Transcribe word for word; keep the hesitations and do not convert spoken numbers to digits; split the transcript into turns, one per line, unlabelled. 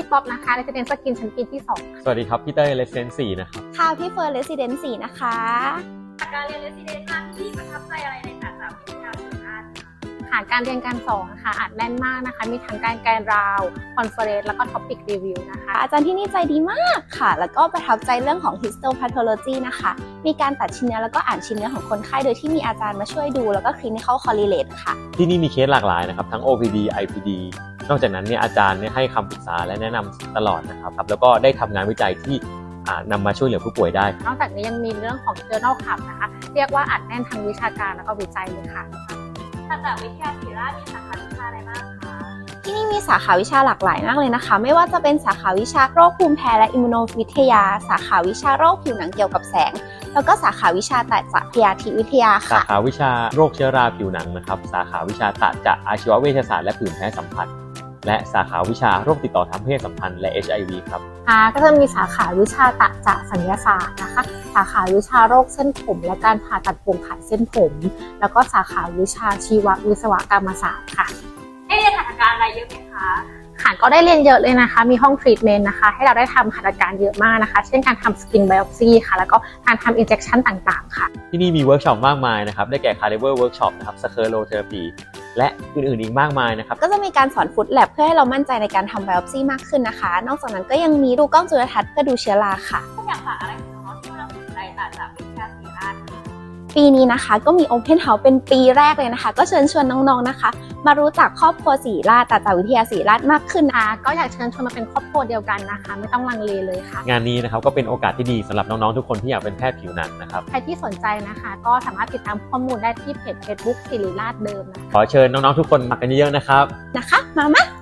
พี่ป๊อปนะคะ Resident Skin ชั้นปีที่สอง
สวัสดีครับพี่เต้ย Resident สี่นะครับ
ค่ะพี่เฟิร์น Resident สี่นะคะ
จากการเรียน Resident มาที่ประทับใจอะไรในศาสตร์วิทยาศาสตร์
ค่ะการเรียนการสอนนะคะอัดแน่นมากนะคะมีทั้งการแกนราวคอนเฟอเรนซ์แล้วก็ท็อปิกรีวิวนะคะ
อาจารย์ที่นี่ใจดีมากค่ะแล้วก็ประทับใจเรื่องของ histopathology นะคะมีการตัดชิ้นเนื้อแล้วก็อ่านชิ้นเนื้อของคนไข้โดยที่มีอาจารย์มาช่วยดูแล้วก็ clinical correlate ค่ะ
ที่นี่มีเคสหลากหลายนะครับทั้ง โอ พี ดี ไอ พี ดี นอกจากนั้นเนี่ยอาจารย์เนี่ยให้คำปรึกษาและแนะนำตลอดนะครับแล้วก็ได้ทำงานวิจัยที่นำมาช่วยเหลือผู้ป่วยได้
นอกจากนี้ยังมีเรื่องของ journal club นะคะเรียกว่าอัดแน่นทางวิชาการแล้วก็วิจัยเลยค่ะ
ศาสตร์วิทยาศิริราชมีสาขาวิชาอะไรบ้างคะ
ที่นี่มีสาขาวิชาหลากหลายมากเลยนะคะไม่ว่าจะเป็นสาขาวิชาโรคภูมิแพ้และอิมมูโนวิทยาสาขาวิชาโรคผิวหนังเกี่ยวกับแสงแล้วก็สาขาวิชาตัดจะพยาธิวิทยาค่ะ
สาขาวิชาโรคเชื้อราผิวหนังนะครับสาขาวิชาตัดจะอาชีวเวชศาสตร์และผื่นแพ้สัมผัสและสาขาวิชาโรคติดต่อทางเพศสัมพันธ์และ เอช ไอ วี ครับ
อ่าก็จะมีสาขาวิชาตัดจะศัลยศาสตร์นะคะสาขาวิชาโรคเส้นผมและการผ่าตัดโปร่งผ่าเส้นผมแล้วก็สาขาวิชาชีววิศวกรรมศาสตร์ค่ะ
ให้เรียนหัตถการอะไรเยอะไหมคะ
ค่ะก็ได้เรียนเยอะเลยนะคะมีห้องทรีทเมนต์นะคะให้เราได้ทำหัตถการเยอะมากนะคะเช่นการทำสกินไบโอปซีค่ะแล้วก็การทำอินเจคชันต่างๆค่ะ
ที่นี่มีเวิร์กช็อปมากมายนะครับได้แก่คาลิเวอร์เวิร์กช็อปนะครับสเคอโรเทอราปีและอื่นๆอีกมากมายนะครับ
ก็จะมีการสอนฟุตแลบเพื่อให้เรามั่นใจในการทำไบโอปซีมากขึ้นนะคะนอกจากนั้นก็ยังมีดูกล้องจุลทรรศน์เพื่อดูเชื้อราค่ะ
อยากฝากอะไรถึงน้องๆที่กำลังสนใจศาสตร์วิทยาศิริราช
ปีนี้นะคะก็มี Open House เป็นปีแรกเลยนะคะก็เชิญชวนน้องๆนะคะมารู้จักครอบครัวศิริราชศาสตร์วิทยาศิริราชมากขึ้น
นะก็อยากเชิญชวนมาเป็นครอบครัวเดียวกันนะคะไม่ต้องลังเลเลยค่ะ
งานนี้นะครับก็เป็นโอกาสที่ดีสำหรับน้องๆทุกคนที่อยากเป็นแพทย์ผิวหนังนะครับ
ใครที่สนใจนะคะก็สามารถติดตามข้อมูลได้ที่เพจ Facebook ศิริราชเดิมนะ
ขอเชิญน้องๆทุกคนมากันเยอะๆนะครับ
นะคะมามา